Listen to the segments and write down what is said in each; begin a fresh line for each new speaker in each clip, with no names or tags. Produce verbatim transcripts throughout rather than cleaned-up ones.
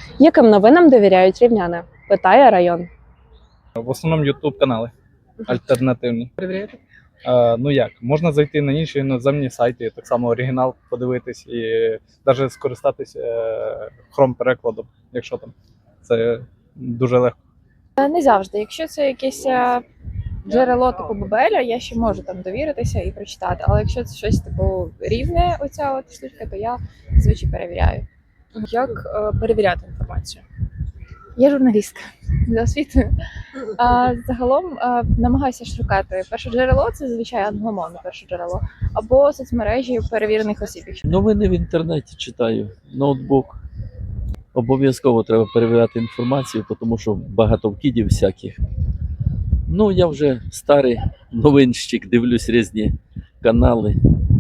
Яким новинам довіряють рівняни? Питає район.
В основному ютуб канали альтернативні.
Перевіряєте?
Е, ну як, можна зайти на інші іноземні сайти, так само оригінал подивитись і навіть скористатись е, хром-перекладом, якщо там. Це дуже легко.
Не завжди. Якщо це якесь е, джерело типу Бабеля, я ще можу там довіритися і прочитати. Але якщо це щось типу рівне, оця от штучка, то я звичайно перевіряю.
Як е, перевіряти інформацію?
Я журналістка за освітою. А загалом а, намагаюся шукати перше джерело, це звичайно англомовне перше джерело, або соцмережі перевірених осіб. Якщо
Новини в інтернеті читаю, ноутбук. Обов'язково треба перевіряти інформацію, тому що багато вкидів всяких. Ну, я вже старий новинщик, дивлюсь різні канали.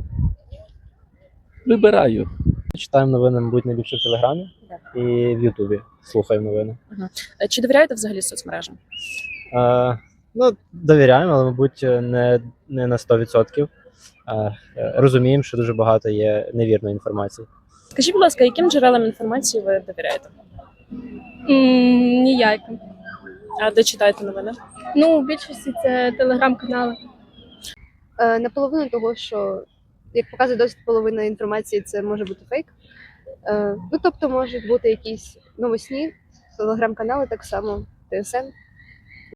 Вибираю.
Читаємо новини, мабуть, найліпше в Телеграмі і в Ютубі слухаємо новини.
Е, Чи довіряєте взагалі соцмережам?
Е, ну, довіряємо, але, мабуть, не, не на сто відсотків. Е, розуміємо, що дуже багато є невірної інформації.
Скажіть, будь ласка, яким джерелам інформації ви довіряєте?
М, Ніяким.
А де читаєте новини?
Ну, в більшості це телеграм-канали.
Е, Наполовину того, що, як показує досвід, половина інформації це може бути фейк. Е, Ну, тобто можуть бути якісь новосні, телеграм-канали так само, ТСН.